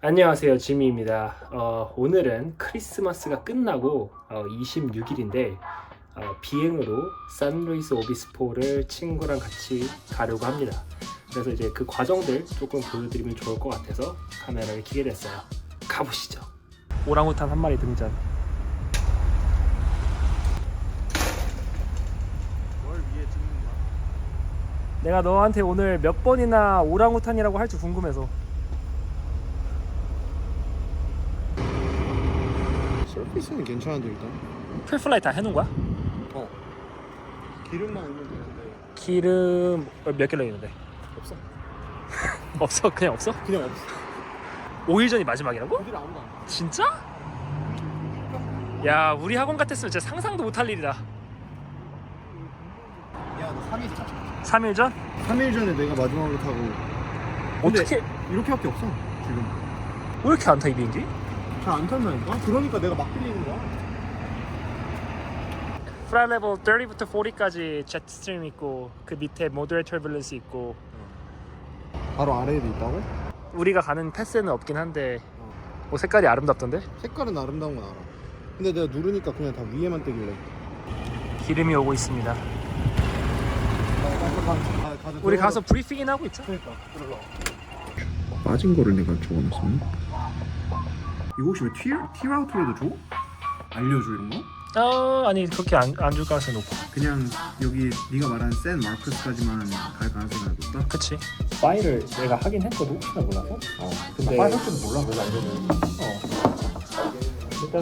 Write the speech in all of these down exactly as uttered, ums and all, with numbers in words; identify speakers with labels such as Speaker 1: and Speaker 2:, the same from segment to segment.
Speaker 1: 안녕하세요, 지미입니다. 어, 오늘은 크리스마스가 끝나고 어, 이십육 일인데 어, 비행으로 산루이스 오비스포를 친구랑 같이 가려고 합니다. 그래서 이제 그 과정들 조금 보여드리면 좋을 것 같아서 카메라를 켜게 됐어요. 가보시죠. 오랑우탄 한 마리 등장.
Speaker 2: 뭘 위에 찍는 거야?
Speaker 1: 내가 너한테 오늘 몇 번이나 오랑우탄이라고 할지 궁금해서.
Speaker 2: 서피스는 괜찮은데 일단.
Speaker 1: 풀플라이 다 해놓은 거야?
Speaker 2: 어. 기름만 오면 되는데
Speaker 1: 기름 몇 킬로 있는데?
Speaker 2: 없어.
Speaker 1: 없어? 그냥 없어?
Speaker 2: 그냥 없어.
Speaker 1: 오 일 전이 마지막이라고?
Speaker 2: 어디를 아무도 안 가.
Speaker 1: 진짜? 야, 우리 학원 같았으면 진짜 상상도 못할 일이다.
Speaker 2: 야, 너 삼 일 차.
Speaker 1: 삼 일 전?
Speaker 2: 삼 일 전에 내가 마지막으로 타고. 근데
Speaker 1: 어떻게
Speaker 2: 이렇게밖에 없어 지금.
Speaker 1: 왜 이렇게 안 타 이 비행기?
Speaker 2: 잘 안 탄다니까? 그러니까 내가 막 빌리는 거야.
Speaker 1: 플라이 레벨 삼십부터 사십까지 제트스트림 있고 그 밑에 모더레이트 터뷸런스 있고
Speaker 2: 바로 아래에도 있다고?
Speaker 1: 우리가 가는 패스는 없긴 한데 뭐 색깔이 아름답던데?
Speaker 2: 색깔은 아름다운 건 알아. 근데 내가 누르니까 그냥 다 위에만 뜨길래.
Speaker 1: 기름이 오고 있습니다. 우리 가서 브리핑이나 하고 있자.
Speaker 2: 그러니까 들어가. 빠진 거를 내가 적어놨었네. 이거 혹시 왜 티, 티라우트로도 줘? 알려줘 이런 거?
Speaker 1: 어, 아니 그렇게 안 안 줄 가능성이 높아.
Speaker 2: 그냥 여기 네가 말한 센 마르크스까지만 갈 가능성이 높다?
Speaker 1: 그치. 파일을 내가 하긴 했거든 혹시나 몰라서. 어. 근데
Speaker 2: 파일 할 줄은 몰라 그래서 알려줘.
Speaker 1: 어. 일단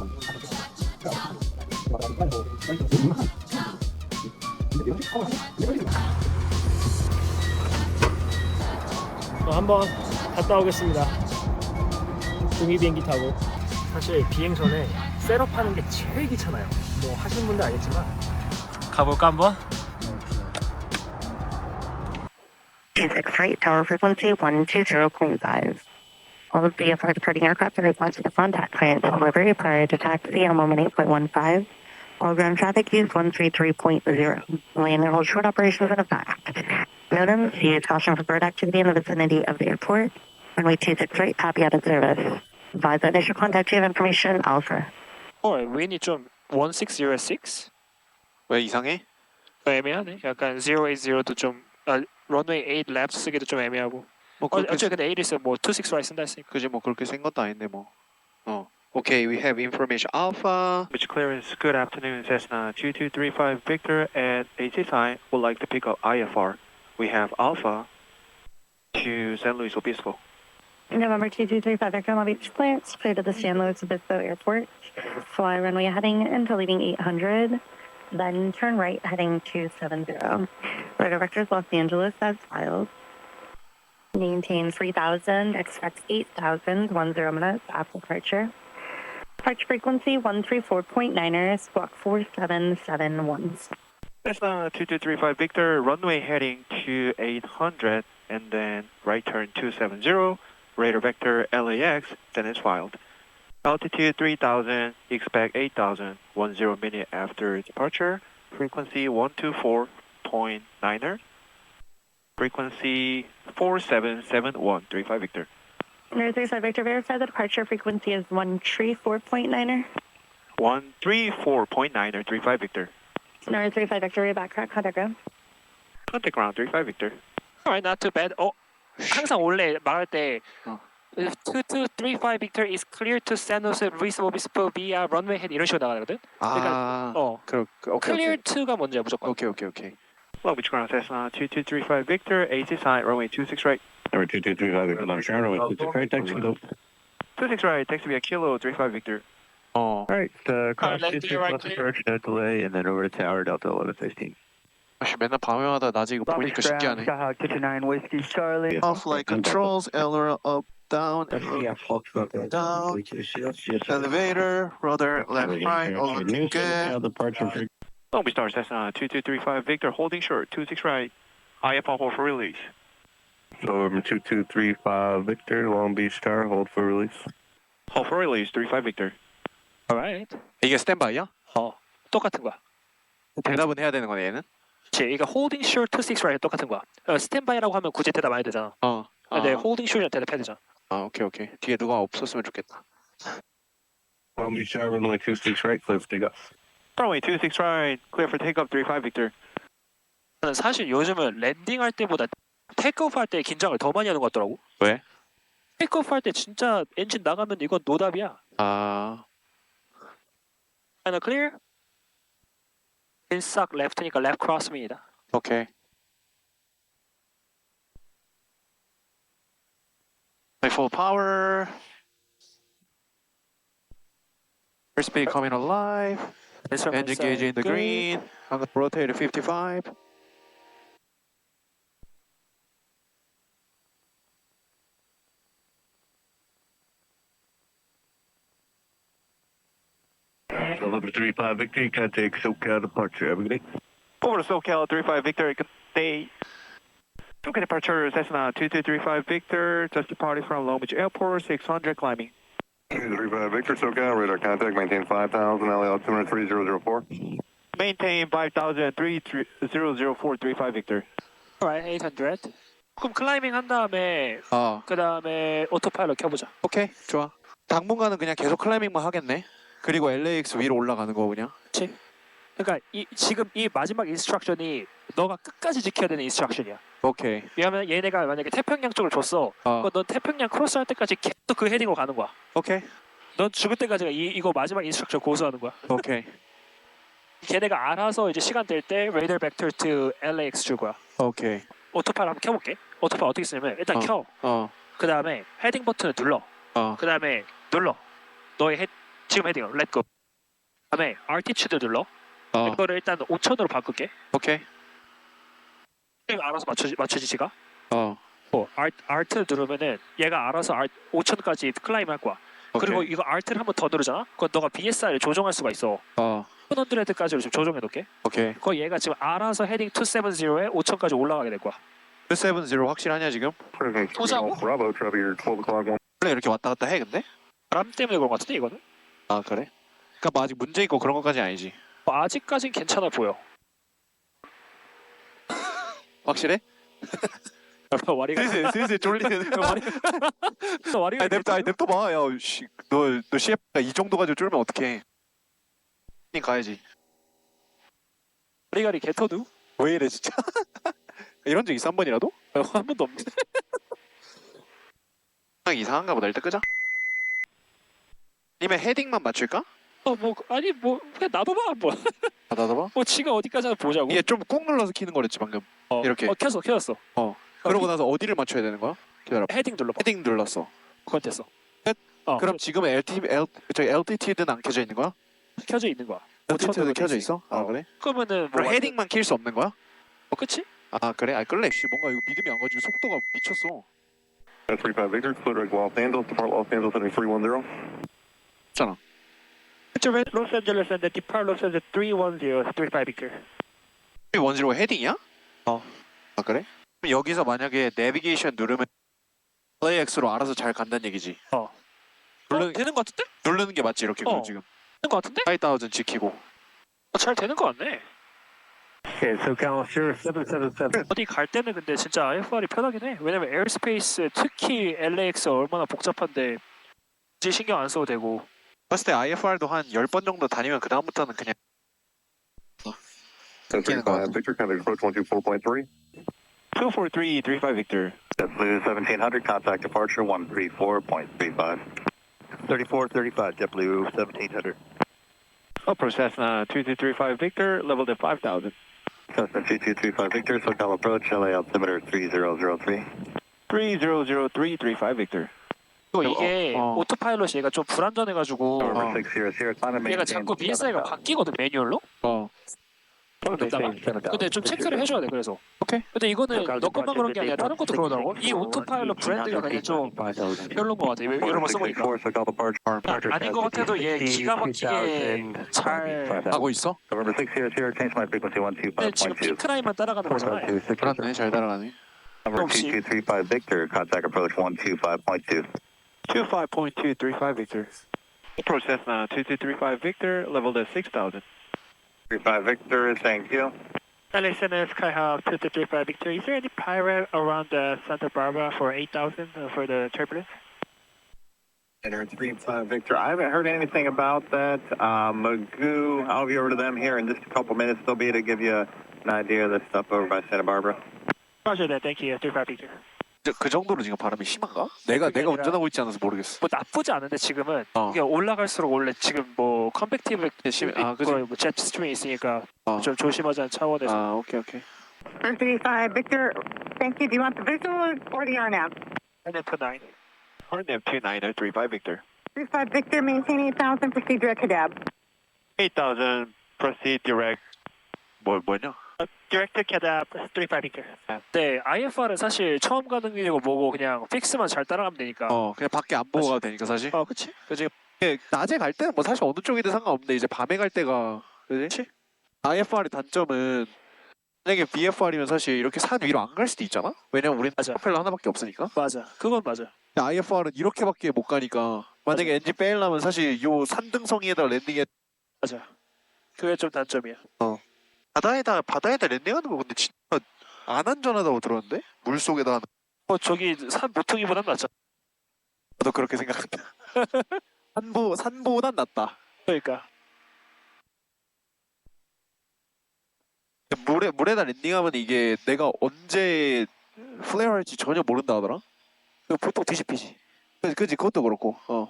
Speaker 1: 저 한번 갔다 오겠습니다. 종이 비행기 타고. 사실 비행 전에 셋업하는 게 제일 귀찮아요. 뭐 하시는 분들 알겠지만 가볼까 한번?
Speaker 3: Basic freight tower frequency one two zero point five. All of the departing aircraft are requested to contact client delivery prior to taxi on moment eight point one five. All ground traffic use one three three point zero. Land and hold short operations in effect. NOTAM, use caution for bird activity in the vicinity of the airport. Runway two six eight, copy out of service. Advise the initial contact you have information, Alpha.
Speaker 1: 어, 윈이 좀 십육06?
Speaker 4: 왜 이상해?
Speaker 1: 애매하네. 약간 십팔십도 좀 아, 런웨이 에잇 랩 쓰기도 좀 애매하고.
Speaker 4: 뭐
Speaker 1: 어,
Speaker 4: 그렇게
Speaker 1: 어차피 근데 에잇 있으면 뭐 이십육 라이 쓴다 했으니까.
Speaker 4: 그지 뭐 그렇게 센 것도 아닌데 뭐. 어. Okay, we have information Alpha.
Speaker 5: Beach clearance. Good afternoon, Cessna two two three five Victor at A T sign. Would like to pick up I F R. We have Alpha to San Luis Obispo.
Speaker 3: November two two three five Victor Long Beach clearance, clear to the San Luis Obispo Airport. Fly runway heading into leading eight hundred, then turn right heading two seventy. Radar vectors Los Angeles as filed. Maintain three thousand, expect eight thousand, one zero minutes after departure. Departure frequency one three four point niner, squawk four seven seven one.
Speaker 5: Cessna two two three five Victor, runway heading to eight hundred, and then right turn two seventy. Radar vector L A X, then it's filed. Altitude three thousand, expect eight thousand, one zero minute after departure. Frequency one two four point niner. Frequency four seven seven one three five Victor.
Speaker 3: Niner three five Victor, verify the departure frequency is one three four point niner.
Speaker 5: one three four point niner three five Victor.
Speaker 3: Niner three five Victor, back crack, contact ground.
Speaker 5: Contact ground three five Victor.
Speaker 1: Alright, not too bad. 어, 항상 원래 말할 때
Speaker 4: 어.
Speaker 1: two two three five Victor is clear to San Luis Obispo via runway head 이런 식으로 나가거든.
Speaker 4: 아.
Speaker 1: 어,
Speaker 4: 그, 그 오케이
Speaker 1: clear
Speaker 4: 오케이.
Speaker 1: to가 먼저야 무조건.
Speaker 4: 오케이 오케이 오케이.
Speaker 5: Long Beach ground Cessna two two three five Victor, A T sign, runway two six right.
Speaker 6: Number two two three five Victor Long Sharon with two six right taxi loop.
Speaker 5: two six right, taxi via Kilo three five Victor.
Speaker 4: 어.
Speaker 6: Alright, uh, cross
Speaker 1: left
Speaker 6: two
Speaker 1: to
Speaker 6: six
Speaker 1: your right,
Speaker 6: left
Speaker 1: clear.
Speaker 6: approach, no delay, and then over to tower Delta eleven fifteen.
Speaker 4: 아씨 맨날 밤에마다 낮에 이거 보니까 신기하네.
Speaker 7: Skyhawk two two nine Whiskey Charlie.
Speaker 4: Off-flight controls, L up, down, down, elevator, rudder, left, right, all looking good.
Speaker 6: Departure
Speaker 5: Long Beach Star Cessna two two three five Victor, holding short two six right. I F R hold for release.
Speaker 6: Over two two three five Victor, Long Beach Tower, hold for release.
Speaker 5: Hold for release three five Victor.
Speaker 1: Alright.
Speaker 4: 이게 스탠바이야?
Speaker 1: 어, 똑같은 거야.
Speaker 4: 대답은 해야 되는 거네 얘는?
Speaker 1: 그치, 그러니까 holding short two six right 똑같은 거야. 어, 스탠바이라고 하면 굳이 대답 안 해도 되잖아.
Speaker 4: 어.
Speaker 1: 근데
Speaker 4: 아.
Speaker 1: holding short이랑 대답해야 되잖아.
Speaker 4: 아, 오케이, 오케이. 뒤에 누가 없었으면 좋겠다.
Speaker 6: Long Beach Tower, runway two six right, clear for takeoff.
Speaker 5: Runway two six right, clear for takeoff three five Victor.
Speaker 8: 사실 요즘은 랜딩할 때보다 테이크오프 할 때 긴장을 더 많이 하는 것 같더라고.
Speaker 4: 왜?
Speaker 8: 테이크오프 할 때 진짜 엔진 나가면 이건 노답이야.
Speaker 4: 아,
Speaker 8: 하나 클리어. 인싹 레프트니까 레프트 크로스입니다.
Speaker 4: 오케이. Full power. Airspeed coming alive. Engine gauge in the green. I'm gonna rotate to fifty-five.
Speaker 6: November three five Victor, contact SoCal departure. Have a good day.
Speaker 5: Over to SoCal three five Victor, good day. SoCal departure, Cessna two two three five Victor, just departed from Long Beach Airport, six hundred climbing.
Speaker 6: three five Victor, SoCal, radar contact, maintain five thousand, L A altimeter three zero zero four.
Speaker 5: Maintain five thousand three zero zero four three five Victor.
Speaker 8: Alright, eight hundred. 그럼 클라이밍 한 다음에
Speaker 4: 어,
Speaker 8: 그 다음에 오토파일럿 켜보자.
Speaker 4: 오케이, 좋아. 당분간은 그냥 계속 클라이밍만 하겠네. 그리고 엘에이엑스 위로 올라가는 거 그냥.
Speaker 8: 그러니까 이, 지금 이 마지막 인스트럭션이 너가 끝까지 지켜야 되는 인스트럭션이야.
Speaker 4: 오케이.
Speaker 8: 왜냐면 얘네가 만약에 태평양 쪽을 줬어.
Speaker 4: 어,
Speaker 8: 그럼 넌 태평양 크로스 할 때까지 계속 그 헤딩으로 가는 거야.
Speaker 4: 오케이,
Speaker 8: 넌 죽을 때까지가 이, 이거 마지막 인스트럭션 고수하는 거야.
Speaker 4: 오케이,
Speaker 8: 걔네가 알아서 이제 시간 될 때 레이더 벡터 to 엘에이엑스 줄 거야.
Speaker 4: 오케이.
Speaker 8: 오토파일 한번 켜볼게. 오토파일 어떻게 쓰냐면 일단
Speaker 4: 어.
Speaker 8: 켜.
Speaker 4: 어,
Speaker 8: 그 다음에 헤딩 버튼을 눌러.
Speaker 4: 어,
Speaker 8: 그 다음에 눌러. 너의 헤, 지금 헤딩을 렛고. 그 다음에 알티튜드 눌러.
Speaker 4: 어,
Speaker 8: 이거를 일단 오천으로 바꿀게.
Speaker 4: 오케이.
Speaker 8: 알아서 맞추지 맞추지 지가.
Speaker 4: 어,
Speaker 8: 어, 알 알트 누르면은 얘가 알아서 알, 오천까지 클라임 할 거야.
Speaker 4: 오케이.
Speaker 8: 그리고 이거 알트를 한 번 더 누르잖아. 그건 너가 비에스알을 조정할 수가 있어.
Speaker 4: 어,
Speaker 8: 천까지로 지금 조정해 놓게.
Speaker 4: 오케이.
Speaker 8: 그거 얘가 지금 알아서 헤딩 이백칠십에 오천까지 올라가게 될 거야.
Speaker 4: 이백칠십 확실하냐 지금?
Speaker 8: 보자고?
Speaker 6: Bravo, Trevor, your twelve o'clock one.
Speaker 4: 원래 이렇게 왔다 갔다 해 근데?
Speaker 8: 바람 때문에 그런 것 같은데 이거는?
Speaker 4: 아 그래? 그러니까 뭐 아직 문제 있고 그런 것까지는 아니지.
Speaker 8: 뭐 아직까진 괜찮아 보여.
Speaker 4: 확실해?
Speaker 8: 와리가
Speaker 4: 슬슬 슬슬 쫄리는.
Speaker 8: 와리가
Speaker 4: 아니 냅둬, 아니 냅둬 봐. 야, 씨, 너, 너 씨에프가 이 정도 가지고 쫄면 어떡해? 니 가야지.
Speaker 8: 와리가리 개터두?
Speaker 4: 왜 이래 진짜? 이런 적 있어 한 번이라도?
Speaker 8: 한 번도 없는데.
Speaker 4: 이상한가 보다. 일단 끄자. 아니면 헤딩만 맞출까?
Speaker 8: 어뭐 아니 뭐 그냥 놔둬봐 뭐.
Speaker 4: 아, 나도 봐.
Speaker 8: 뭐 지가 어디까지 하나 보자고.
Speaker 4: 얘 좀 꾹 눌러서 키는 거랬지 방금.
Speaker 8: 어,
Speaker 4: 이렇게.
Speaker 8: 어 켰어 켰어.
Speaker 4: 어. 그러고 나서 어디를 맞춰야 되는 거야? 기다려.
Speaker 8: 헤딩 눌러봐.
Speaker 4: 헤딩 눌렀어.
Speaker 8: 그건 됐어.
Speaker 4: 끝?
Speaker 8: 어,
Speaker 4: 그럼 지금 엘티 L 저기 엘티티드는 안 켜져 있는 거야?
Speaker 8: 켜져 있는 거야.
Speaker 4: 엘티티드 켜져 있어? 아
Speaker 8: 어.
Speaker 4: 그래?
Speaker 8: 그러면은 뭐
Speaker 4: 그럼
Speaker 8: 완전-
Speaker 4: 헤딩만 킬 수 없는 거야?
Speaker 8: 어 그치?
Speaker 4: 아 그래? 아 끌래. 씨 뭔가 이거 믿음이 안 가지고 속도가 미쳤어.
Speaker 6: three five Victor, clear right Los Angeles, depart Los Angeles heading three one zero.
Speaker 4: 있잖아.
Speaker 5: Los Angeles and depart Los Angeles three one zero three five Victor.
Speaker 4: 원지로 헤딩이야?
Speaker 5: 어.
Speaker 4: 아 그래? 그럼 여기서 만약에 내비게이션 누르면 엘에이엑스로 알아서 잘 간다는 얘기지.
Speaker 8: 어.
Speaker 4: 누르,
Speaker 8: 어, 되는 거 같은데?
Speaker 4: 누르는 게 맞지 이렇게 그럼
Speaker 8: 어.
Speaker 4: 지금.
Speaker 8: 되는 거 같은데?
Speaker 4: 파이브 지키고.
Speaker 8: 어, 잘 되는 거 같네.
Speaker 5: Okay, SoCal zero seven seven seven.
Speaker 8: 어디 갈 때는 근데 진짜 아이에프알이 편하긴 해. 왜냐면 에어스페이스 특히 엘에이엑스 얼마나 복잡한데 굳이 신경 안 써도 되고.
Speaker 4: 봤을 때 아이에프알도 한 열 번 정도 다니면 그 다음부터는 그냥
Speaker 6: three five Victor, contact approach one two four point three.
Speaker 5: two four three three five Victor.
Speaker 9: JetBlue seventeen hundred, contact departure one three four point three five. thirty-four thirty-five, JetBlue seventeen hundred.
Speaker 5: Approach Cessna two two three five Victor, level to five thousand.
Speaker 9: Cessna two two three five Victor, SoCal approach, L A altimeter three zero zero three.
Speaker 5: three zero zero three three five Victor.
Speaker 8: 또 이게
Speaker 4: 어, 어.
Speaker 8: 오토파일럿이 얘가 좀 불안전해가지고
Speaker 9: November six zero zero, climb and
Speaker 8: 얘가
Speaker 9: maintain
Speaker 8: 자꾸 비에스아이가 바뀌거든 매뉴얼로.
Speaker 4: 어.
Speaker 8: 그러다가 근데 좀 체크를 해줘야 돼. 그래서
Speaker 4: 오케이.
Speaker 8: 근데 이거는 너 것만 그런 게 아니라 다른 것도 그러더라고. 이 오토파일럿 브랜드가 그냥 좀 별로인 것 같아. 이런 거 써보니까.
Speaker 9: SoCal departure.
Speaker 8: 아닌 것 같아도 얘 기가 막히게 잘.
Speaker 4: 하고 있어?
Speaker 9: November six zero zero, change my frequency one two
Speaker 8: 근데
Speaker 9: five
Speaker 8: 지금
Speaker 9: point two.
Speaker 8: 핑크 라인만 따라가는 거잖아.
Speaker 4: 그러네. 잘 따라가네.
Speaker 9: Number two two three five Victor, contact approach one two five point two.
Speaker 5: two five point two three five Victor. Approach Cessna two two three five Victor, level to six thousand.
Speaker 9: three five Victor, thank you.
Speaker 5: L A S N S Skyhawk two two three five Victor. Is there any pirate around the Santa Barbara for eight thousand uh, for the turbulence?
Speaker 9: three five Victor. I haven't heard anything about that. Uh, Magoo, I'll be over to them here in just a couple minutes. They'll be to give you an idea of the stuff over by Santa Barbara.
Speaker 8: Roger that. Thank you. three five Victor.
Speaker 10: 그 정도로 지금 바람이 심한가? 내가
Speaker 8: 그게
Speaker 10: 내가
Speaker 8: 아니라-
Speaker 10: 운전하고 있지 않아서 모르겠어.
Speaker 8: 뭐 나쁘지 않은데 지금은
Speaker 10: 어.
Speaker 8: 이게 올라갈수록 원래 지금 뭐 컨벡티브
Speaker 10: 심- 아, 그지?
Speaker 8: 있고 뭐 제트 스트림이 있으니까
Speaker 10: 어.
Speaker 8: 좀 조심하자는 차원에서.
Speaker 10: 아 오케이 오케이.
Speaker 3: three five Victor, thank you. Do you want the visual or the R N A V?
Speaker 8: And then put nine.
Speaker 5: Arnav two niner three five Victor.
Speaker 3: three five Victor, maintain eight thousand, proceed direct to D A B.
Speaker 5: eight thousand, proceed direct.
Speaker 10: 뭐 뭐냐?
Speaker 8: Director Cadap three five Victor. 네, 아이에프알은 사실 처음 가는 길이고 뭐고 그냥 픽스만 잘 따라가면 되니까.
Speaker 10: 어 그냥 밖에 안 보고 가도 되니까 사실.
Speaker 8: 어, 그치?
Speaker 10: 그지. 낮에 갈 때는 뭐 사실 어느 쪽이든 상관없는데 이제 밤에 갈 때가 그지? 아이에프알의 단점은 만약에 비에프알이면 사실 이렇게 산 위로 안 갈 수도 있잖아. 왜냐면 우리는
Speaker 8: 맞아.
Speaker 10: 프로펠러 하나밖에 없으니까.
Speaker 8: 맞아. 그건 맞아.
Speaker 10: 아이에프알은 이렇게밖에 못 가니까 만약에 엔진 빼려면 사실 요 산등성이에다 랜딩해.
Speaker 8: 맞아. 그게 좀 단점이야.
Speaker 10: 바다에다 바다에다 랜딩하는 거 근데 진짜 안 안전하다고 들었는데 물 속에다 하는.
Speaker 8: 어, 저기 산 모퉁이보단 낫잖아.
Speaker 10: 나도 그렇게 생각한다. 산보 산보단 낫다.
Speaker 8: 그러니까.
Speaker 10: 물에 물에다 랜딩하면 이게 내가 언제 플레어 할지 전혀 모른다 하더라.
Speaker 8: 그 보통 뒤집히지.
Speaker 10: 그 그지 그것도 그렇고. 어.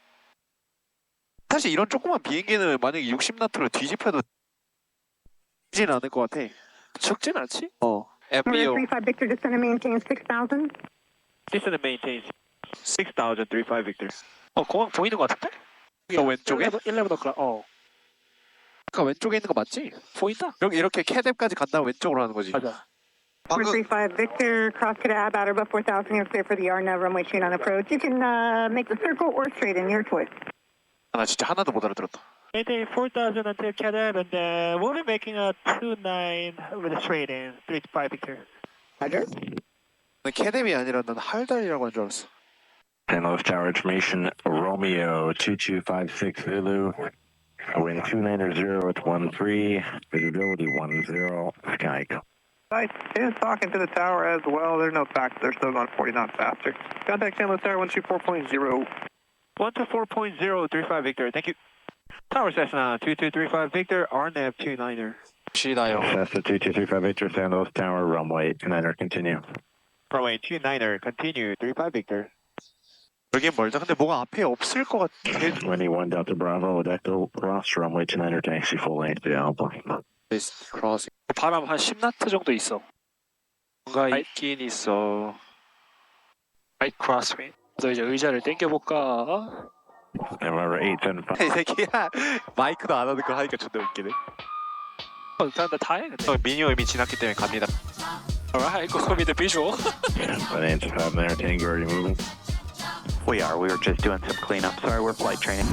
Speaker 10: 사실 이런 조그만 비행기는 만약에 육십 나트로 뒤집혀도 지진 않을 것 같아.
Speaker 8: 적진 않지?
Speaker 10: 어. 엠비오.
Speaker 3: three five Victor, descend and maintain six thousand.
Speaker 5: Descend and maintain six thousand three five Victor.
Speaker 8: 어, 공항 보이는 거 같은데?
Speaker 10: 어, 왼쪽에?
Speaker 8: 일레븐 어클라. 어,
Speaker 10: 아까 왼쪽에 있는 거 맞지?
Speaker 8: 보인다.
Speaker 10: 이렇게 이렇게 캐뎁까지 간 다음 왼쪽으로 하는 거지.
Speaker 8: 맞아.
Speaker 10: 방금
Speaker 3: three five Victor, cross to D A B, outer above four thousand, you're clear for the R N A V, runway two nine approach. You can uh, make the circle or straight in, your choice.
Speaker 10: 나 진짜 하나도 못 알아들었다.
Speaker 8: Maintain four thousand until Cadap, and then we'll be making a two nine with a straight in, three five Victor.
Speaker 3: Roger.
Speaker 10: 난 캐뎁이 아니라 난 할달이라고 한 줄 알았어.
Speaker 6: San Luis Tower information, Romeo two two five six Zulu, wind two niner zero at one three, visibility one zero, sky.
Speaker 4: I is talking to the tower as well. There's no facts. They're still going forty knots faster. Contact San Luis Tower one two four point zero.
Speaker 5: one two four point zero three five Victor. Thank you. Tower Cessna two two three five Victor, Arnav two niner.
Speaker 10: 시다요.
Speaker 6: Cessna two two three five Victor, San Luis Tower, runway two niner, continue.
Speaker 5: Runway two niner, continue three five Victor.
Speaker 10: 여긴 멀다. 근데 뭐가 앞에 없을 것 같아.
Speaker 6: Windy one Delta Bravo, Delta Ross, runway two niner, taxi full length to Alpha.
Speaker 10: 크로싱.
Speaker 8: 바람 한 십 나트 정도 있어.
Speaker 10: 뭔가 있긴 있어.
Speaker 8: 라이트 크로스윈. 그래서 이제 의자를 당겨볼까?
Speaker 6: November eight seven five.
Speaker 10: 이 새끼야 마이크도 안 하는 거 하니까 존나 웃기네.
Speaker 8: 어, 일단 다 해, 근데.
Speaker 10: 형 미니어 이미 지났기 때문에 갑니다.
Speaker 8: Alright, go with the visual.
Speaker 6: Bonanza five there, Tango already moving.
Speaker 9: We are. We were just doing some cleanup. Sorry, we're flight training.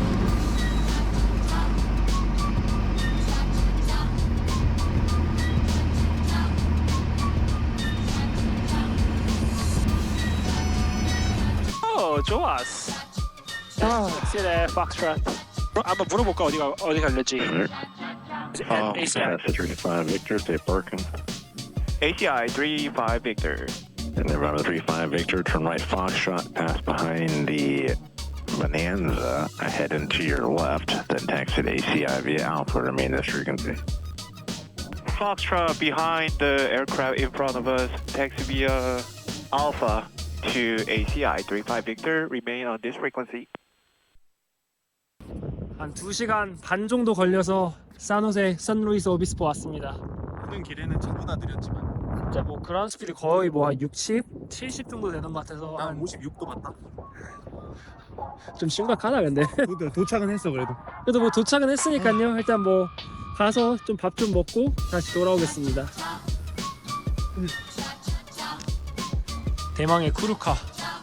Speaker 8: 어, 좋았어. 아, 엑셀의 Foxtrot. 한번 물어볼까 어디가 어디 갈랬지?
Speaker 10: 어,
Speaker 8: 에이씨아이.
Speaker 6: Cessna three five Victor, stay parking.
Speaker 5: A C I three five Victor.
Speaker 6: And then Bravo three five Victor, turn right Foxtrot, pass behind the Bonanza, head into your left, then taxi to A C I via Alpha, remain this frequency.
Speaker 5: Foxtrot behind the aircraft in front of us. Taxi via Alpha to A C I three five Victor. Remain on this frequency.
Speaker 1: 한 두 시간 반 정도 걸려서 산호세 선루이스 오비스포 왔습니다.
Speaker 2: 오는 길에는 저보다 느렸지만
Speaker 1: 진짜 뭐 그라운드 스피드 거의 뭐 한 육십, 칠십 정도 되는 것 같아서
Speaker 2: 난
Speaker 1: 한
Speaker 2: 오십육 도 맞다.
Speaker 1: 좀 심각하다 근데.
Speaker 2: 도, 도착은 했어 그래도.
Speaker 1: 그래도 뭐 도착은 했으니까요. 일단 뭐 가서 좀 밥 좀 먹고 다시 돌아오겠습니다. 대망의 쿠루카.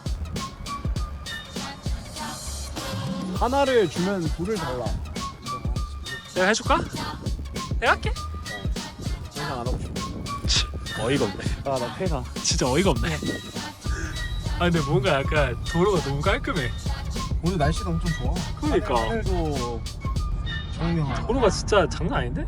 Speaker 2: 하나를 주면 둘을 달라.
Speaker 1: 내가 해줄까? 내가 할게.
Speaker 2: 더 이상 안 하고 싶어.
Speaker 1: 어이가 없네.
Speaker 2: 아, 나 폐가.
Speaker 1: 진짜 어이가 없네. 아 근데 뭔가 약간 도로가 너무 깔끔해.
Speaker 2: 오늘 날씨가 엄청 좋아.
Speaker 1: 그러니까.
Speaker 2: 하늘도 정명하고.
Speaker 1: 도로가 진짜 장난 아닌데?